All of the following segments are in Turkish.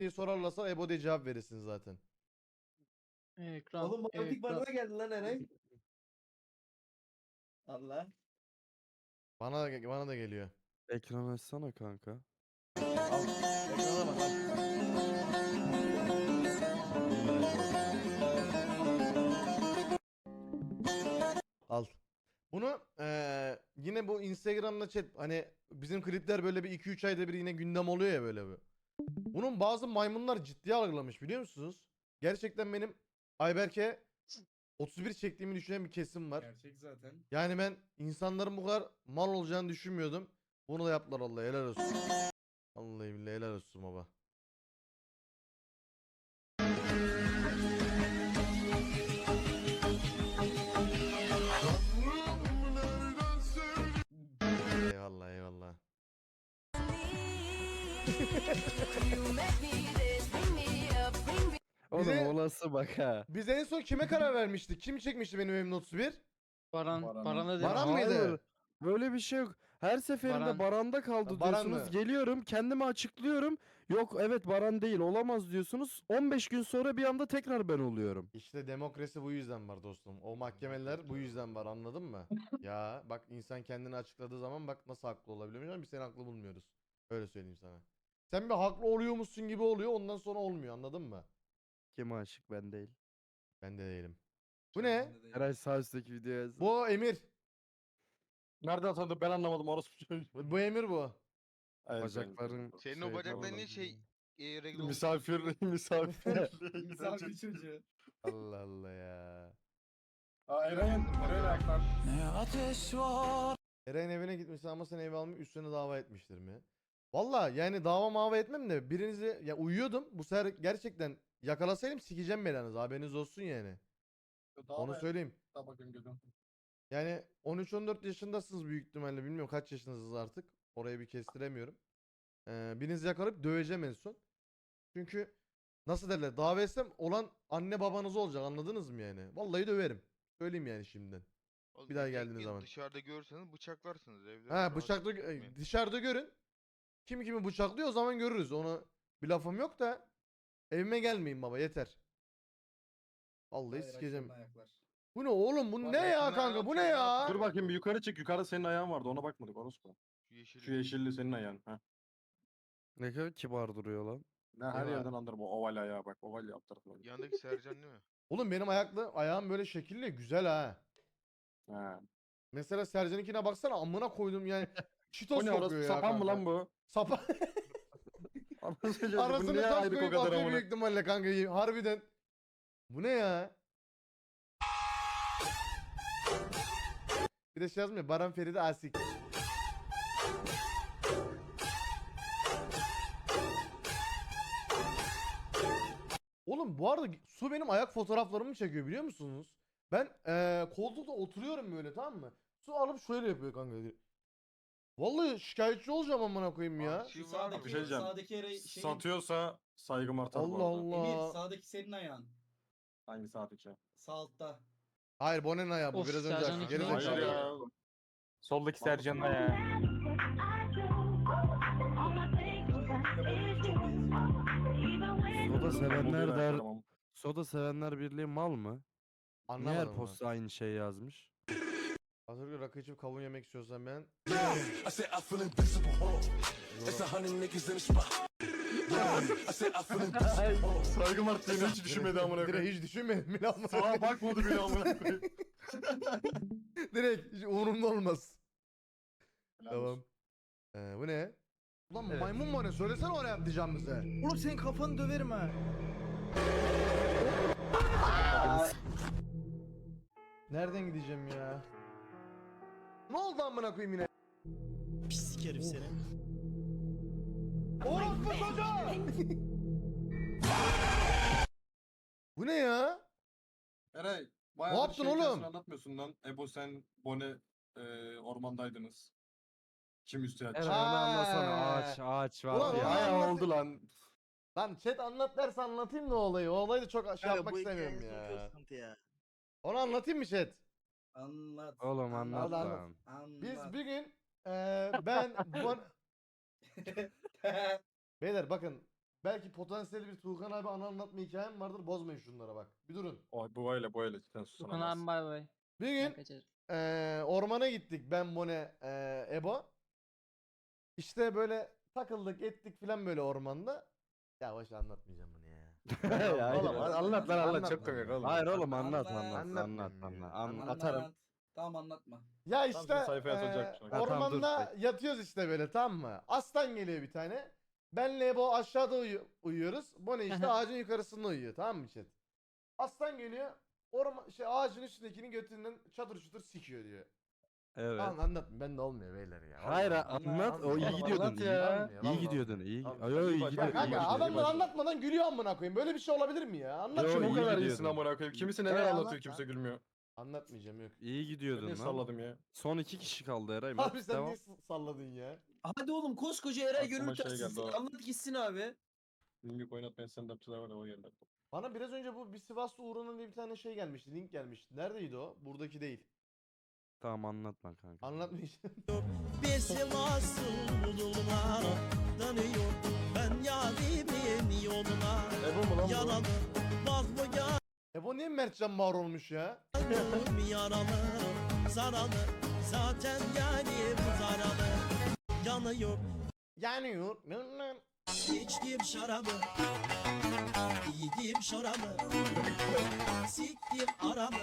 diye sorarlarsa Ebo diye cevap verirsin zaten. Ekran. Oğlum matematik bana da geldi lan Eray. Allah. Bana da geliyor. Ekran açsana kanka. Al. Ekrana bak al. Al. Bunu yine bu Instagram'da chat hani bizim klipler böyle bir 2-3 ayda bir yine gündem oluyor ya böyle bir. Bunun bazı maymunlar ciddiye algılamış biliyor musunuz? Gerçekten benim Ayberk'e 31 çektiğimi düşünen bir kesim var. Gerçek zaten. Yani ben insanların bu kadar mal olacağını düşünmüyordum. Bunu da yaptılar Allah helal olsun. Vallahi billahi helal olsun baba. Eyvallah eyvallah. Oğlum Bize- olası bak ha. Biz en son kime karar vermiştik? Kim çekmişti benim evimde 31? Baran, Baran. Baran'a dedim. Baran mıydı? Hayır, böyle bir şey yok. Her seferinde Baran. Baran'da kaldı Ha, Baran diyorsunuz. mı? Geliyorum kendimi açıklıyorum. Yok evet Baran değil olamaz diyorsunuz. 15 gün sonra bir anda tekrar ben oluyorum. İşte demokrasi bu yüzden var dostum. O mahkemeler bu yüzden var anladın mı? Ya bak insan kendini açıkladığı zaman bak nasıl haklı olabiliyormuş ama biz seni haklı bulmuyoruz. Öyle söyleyeyim sana. Sen bir haklı oluyormuşsun gibi oluyor ondan sonra olmuyor anladın mı? Kim aşık ben değil. Ben de değilim. Bu ne? Eray sağ üstteki videoya yazın. Bu Emir. Nereden tanıdın ben anlamadım orospu çocuğu. Bu Emir bu. Evet, Bacakların Senin o bacakların niye şey regl olmuş? misafir. Misafir çocuğu. Allah Allah ya. Aa Eray'ın ayaklar. Eren evine gitmiş ama sen eve almış üstüne dava etmiştir mi? Valla yani dava mava etmem de birinizi ya uyuyordum. Bu sefer gerçekten yakalasaydım sikeceğim belanızı haberiniz olsun yani. Onu söyleyeyim. Daha bakayım gözüm. Yani 13-14 yaşındasınız büyük ihtimalle bilmiyorum kaç yaşındasınız artık. Orayı bir kestiremiyorum. Birinizi yakalayıp döveceğim en son. Çünkü nasıl derler dava etsem olan anne babanız olacak anladınız mı yani? Vallahi döverim. Söyleyeyim yani şimdiden. Oğlum, bir daha tek geldiğiniz gün zaman. Dışarıda görürseniz bıçaklarsınız evde. Ha rahat bıçaklı etmeyin. dışarıda görün. Kim kimi bıçaklıyor o zaman görürüz. Onu bir lafım yok da evime gelmeyin baba yeter. Vallahi sikeceğim. Bu ne oğlum bu ne ya yakından kanka bu ne atıyor, ne ya? yapıyor? Dur bakayım bir yukarı çık. Yukarıda senin ayağın vardı ona bakmadık orospu. Şu yeşil. Şu yeşilli senin ayağın. Ha. Ne kadar kibar duruyor lan. Ne her var? yerden anlarım o oval ayağı bak. Oval alt tarafına. Yandaki Sercan değil mi? Oğlum benim ayağım böyle şekilli güzel ha. Ha. Mesela Sercan'ınkine baksana amına koydum yani. Çitos O ne kokuyor orospu ya sapan mı kanka. lan bu? Sapan. Anasını satayım, bunu Arasını niye tas aydık o koyup kadar atıyor amına? büyük ihtimalle kanka. Harbiden. Bu ne ya? Bir de şey yazmıyor. Baran Feride Asik. Oğlum bu arada Su benim ayak fotoğraflarımı çekiyor biliyor musunuz? Ben koltukta oturuyorum böyle tamam mı? Su alıp şöyle yapıyor kanka. Vallahi şikayetçi olacağım amına koyayım ya. Arşiv Şu var mı? sağdaki, Bir şey diyeceğim. sağdaki şeyin... Satıyorsa saygım artar bu Allah arada. Allah. Emir sağdaki senin ayağın. Hangi sağdaki? Sağ altta. Hayır Bonen ayağı bu Of, biraz önce Sercan açtı. ikili Geri olmuş. Hayır zekalı. ya. Soldaki Sercan'la ya. Soda sevenler Bozuk der. ayaklarım ama. Soda sevenler birliği mal mı? Niye her Anlamadım ben. posta aynı şey yazmış? Hazır rakı içip kavun yemek istiyorsan ben. I said I feel invincible. It's 100 niggas in the spot. I said I feel invincible. Saygım arttığını hiç düşünmedi amına Direkt koyayım. hiç düşünmedim bile amına Sağa koyayım. bakmadı bile amına koyayım. Direkt hiç umurumda olmaz. Helal Tamam. olsun. Bu ne? Ulan maymun mu ne? Söylesene oraya yapacağım bize. Oğlum senin kafanı döverim ha. Nereden gideceğim ya? Ne oldu amına koyayım yine? Pislik herif seni. Orospu çocuğu! Bu ne ya? Eray, bayağı Ne yaptın oğlum? Anlatmıyorsun lan. Ebo sen, Bone ormandaydınız. Kim üstü Eray yatacak? onu anlasana ağaç var Ulan ya. onu Bayağı anlat- oldu lan. Lan chat anlat derse anlatayım da olayı. O olayı da çok şey yapmak istemiyorum ya. ya. Onu anlatayım mı chat? Anlat. Oğlum anlat anlat. lan. Anlat. Biz bir gün ben Beyler bakın belki potansiyel bir Tuğkan abi anı anlatma hikayem vardır. Bozmayın şunlara bak. Bir durun. O, bu öyle. Cidden Tukan susamaz. abi bay bay. Bir Ben gün kaçarım. ormana gittik ben Bone Ebo. İşte böyle takıldık ettik filan böyle ormanda. Ya boş anlatmayacağım bunu ya. Ya, Oğlum, hayır. anlat lan anlat çok komik oğlum. Hayır oğlum anlat Anlatmayayım ya. atarım. Tamam anlatma. Ya Tam işte şimdi sayfaya atılacak şu an. Ha, tamam, dur, ormanda yatıyoruz işte böyle tamam mı? Aslan geliyor bir tane. Benle Ebo aşağıda uyuyoruz. Bone işte ağacın yukarısında uyuyor tamam mı chat? Aslan geliyor. Ağacın üstündekinin götünden çatır çutur sikiyor diyor. Evet. Tamam anlatma ben de olmuyor beyler ya. Hayır Vallahi. anlat. O iyi Anlat gidiyordun. ya. İyi Vallahi. gidiyordun. İyi. Tamam, Ay, ay, iyi bak- gidiyor. Ya İyi kanka başladı, iyi adamlar başladı. anlatmadan gülüyor amına koyayım. Böyle bir şey olabilir mi ya? Anlat Yo, şunu. Bu iyi kadar gidiyordun. iyisin amına koyayım. Kimisi neler anlat anlatıyor lan. kimse gülmüyor. Anlatmayacağım yok. İyi Ben gidiyordun niye lan. salladım ya? Son 2 kişi kaldı Eray. Abi Mert, sen devam. niye salladın ya? Hadi oğlum koskoca Eray Aklıma gönül şey geldi, taşısın. o. Anlat gitsin abi. Bilmiyorum oynatmayan stand-upçılar var ya o geldi. Bana biraz önce bu bir Sivaslı Uğur'un diye bir tane şey gelmişti. Link gelmişti. Neredeydi o? Buradaki değil. Tamam anlatma kanka. Anlatmayacağım. Bir Sivaslılar tanıyor. Ben yarimin yoluna Ebo mu lan bu? yaralı. Bak bu Bu niye Mertcan Mağar olmuş ya? yanım yaralı. Zaralı. Zaten yarim zaralı. Yanıyor. Yanıyor. İçtim şarabı. Yedim şarabı. Siktim aramı.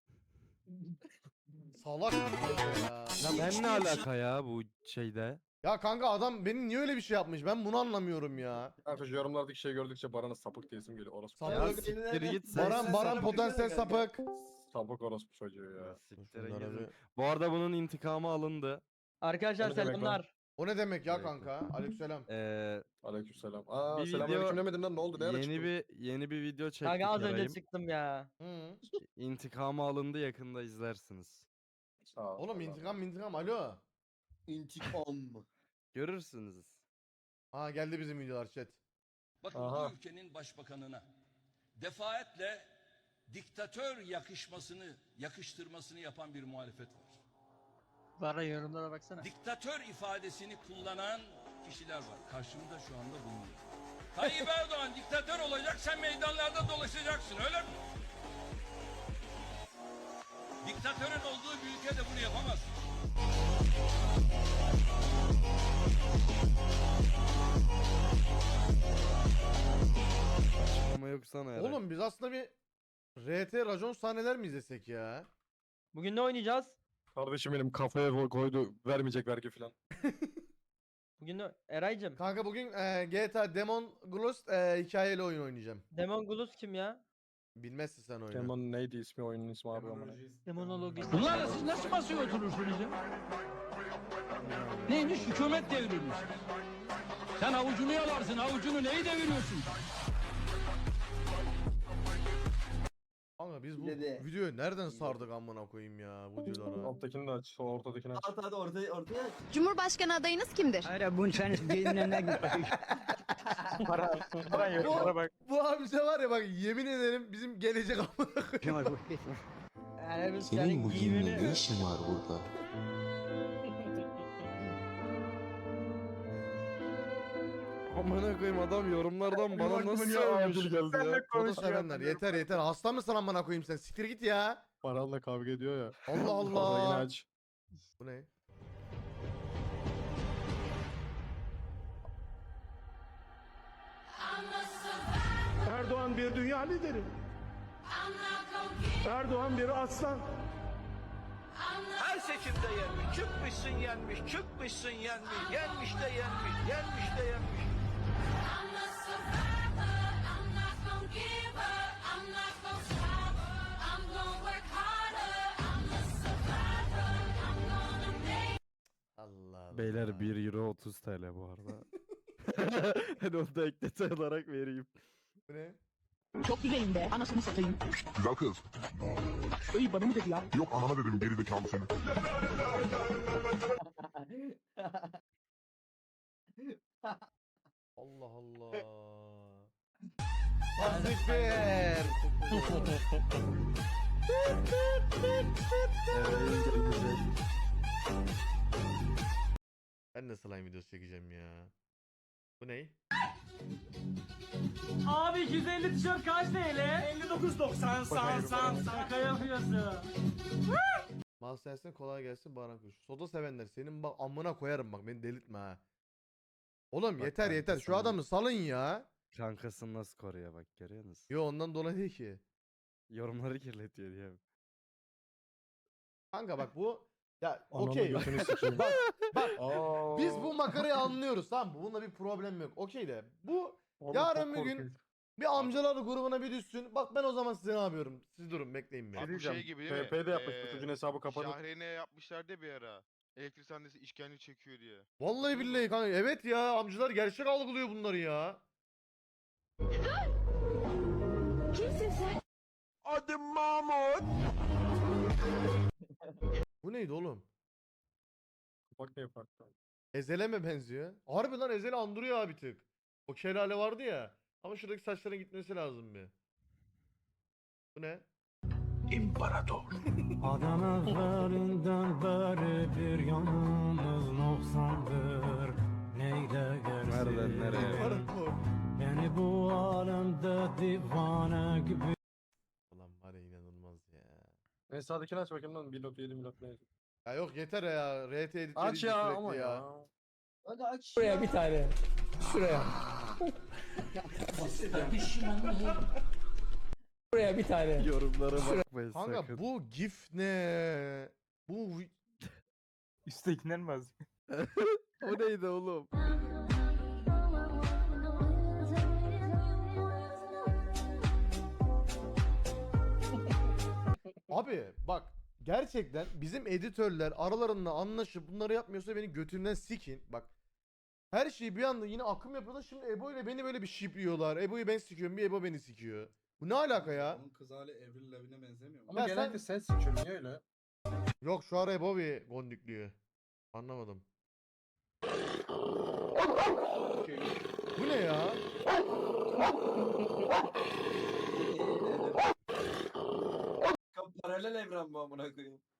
Salak ya. Ya ben ne alaka ya bu şeyde? Ya kanka adam beni niye öyle bir şey yapmış? Ben bunu anlamıyorum ya. Kanka şu yorumlardaki şey gördükçe Baran'a sapık diyesim geliyor. Orospu. Sapık. Ya Sapık. siktir git sen. Baran potansiyel sapık. Sapık orospu çocuğu ya. Siktir Şunlara gidin. bir- Bu arada bunun intikamı alındı. Arkadaşlar O ne demek lan? selamlar. O ne demek ya Evet. kanka? Aleykümselam. Aleykümselam. Bir Selamünaleyküm video- demedin lan ne oldu? Ne ara çıktın? Yeni bir video çektik Kanka az önce Eray'ım. çıktım ya. Hı. İntikamı alındı yakında izlersiniz. Sağ ol. Oğlum intikam alo. İntikam. Görürsünüz. Ha geldi bizim videolar chat. Bakın Aha. bu ülkenin başbakanına defaatle diktatör yakıştırmasını yapan bir muhalefet var. Bara yorumlara baksana. Diktatör ifadesini kullanan kişiler var. Karşımda şu anda bulunuyor. Tayyip Erdoğan diktatör olacak, sen meydanlarda dolaşacaksın, öyle mi? Diktatörün olduğu bir ülkede bunu yapamaz. Ama yok sana Eray. Oğlum biz aslında bir RT racon sahneler mi izlesek ya? Bugün ne oynayacağız? Kardeşim benim kafaya koydu vermeyecek vergi filan. Bugün ne? Eraycım. Kanka bugün GTA Demon Ghost hikayeli oyun oynayacağım. Demon Glus kim ya? Bilmezsin sen oyunu. Demon neydi ismi oyunun ismi abi amına. Demonologi. Bunlarla siz nasıl masaya oturursunuz ya? Neymiş hükümet devrimiz? Sen avucunu yalarsın, avucunu neyi deviriyorsun? Kanka biz bu Dede. videoyu nereden sardık amına koyayım ya bu videolara. Alttakini de aç, o ortadakini aç. Hadi ortaya. Cumhurbaşkanı adayınız kimdir? Hayır bunun sen dinlerine git. Baran yorumlara bak. Bu amca var ya bak yemin ederim bizim gelecek amına koyayım. Senin bugün ne işin var burada? Amına koyayım adam yorumlardan bana nasıl sövmüş geldi ya. Foto sevenler yeter hasta mısın amına koyayım sen siktir git ya. Baran'la kavga ediyor ya. Allah Ortadakini Allah. aç. Bu ne? Erdoğan bir dünya lideri. Erdoğan bir aslan. Her seçimde yenmiş, çıkmışsın yenmiş, çıkmışsın yenmiş, yenmiş de yenmiş, yenmiş de yenmiş. Allah Allah. Beyler 1 euro 30 TL bu arada. Hadi onu da ekleti olarak vereyim. Bu ne? Çok güzelim be. Anasını satayım. Güzel kız. Öy bana mı dedi ya? Yok anana dedim geri zekalı seni. Allah Allah. Azıcık bir. Eray'ın gelecek. Ben de slime videosu çekeceğim ya. Bu ne? Abi 250 tişört kaç TL? 59.90 san. Şaka yapıyorsun. Master gelsin, kolay gelsin Baran Kuş. Soda sevenler senin bak amına koyarım bak, beni delirtme ha. Oğlum Bak yeter kanka, yeter şu sana- adamı salın ya. Kankasını nasıl koruyor bak, görüyor musun? Yo ondan dolayı değil ki. Yorumları kirletiyor diye. Kanka bak bu ya Ananı okey. götünü sikeyim. bak biz bu makarayı anlıyoruz tamam mı? Bununla bir problem yok. Okey de bu yarın bir gün bir amcalar grubuna bir düşsün. Bak ben o zaman size ne yapıyorum? Siz durun bekleyin bir. Abi bu diyeceğim, şey gibi değil mi? TP'de yapmış bu çocuğun hesabı kapanıp. Şahreyn'e yapmışlardı bir ara. Elektrik sahnesi işkence çekiyor diye. Vallahi billahi kanka evet ya amcalar gerçek algılıyor bunları ya. Kimsin sen? Adım Mahmut. Bu neydi oğlum? Bak ne yapar. Ezel'e mi benziyor? Harbi lan Ezel'i andırıyor abi tık. O şelale vardı ya. Ama şuradaki saçların gitmesi lazım bir. Bu ne? İmparator. Adam evvelinden beri bir yanımız noksandır. Neyle gelsin? Nereden nereye? Beni bu alemde divane gibi. Ulan var ya inanılmaz ya. En sağdakini aç bakayım lan 1.7 milot ne? Ya yok yeter ya. RT editleri Aç ya sürekli ama ya. Hadi aç. Şuraya bir tane. Şuraya. Şuraya bir tane. Yorumlara bakmayın Kanka sakın. bu gif ne? Bu Üsttekinden mi az? O neydi oğlum? abi bak gerçekten bizim editörler aralarında anlaşıp bunları yapmıyorsa beni götümden sikin. Bak her şeyi bir anda yine akım yapıyorlar. Şimdi Ebo ile beni böyle bir shipliyorlar. Ebo'yu ben sikiyorum, bir Ebo beni sikiyor. Bu ne alaka ya? Onun kız hali Avril Lavigne'e benzemiyor mu? Ama Ya genelde sen sıçıyorsun niye öyle? Yok şu ara Ebo bir gondikliyor. Anlamadım. Bu ne ya? Paralel evren bu amına koyayım.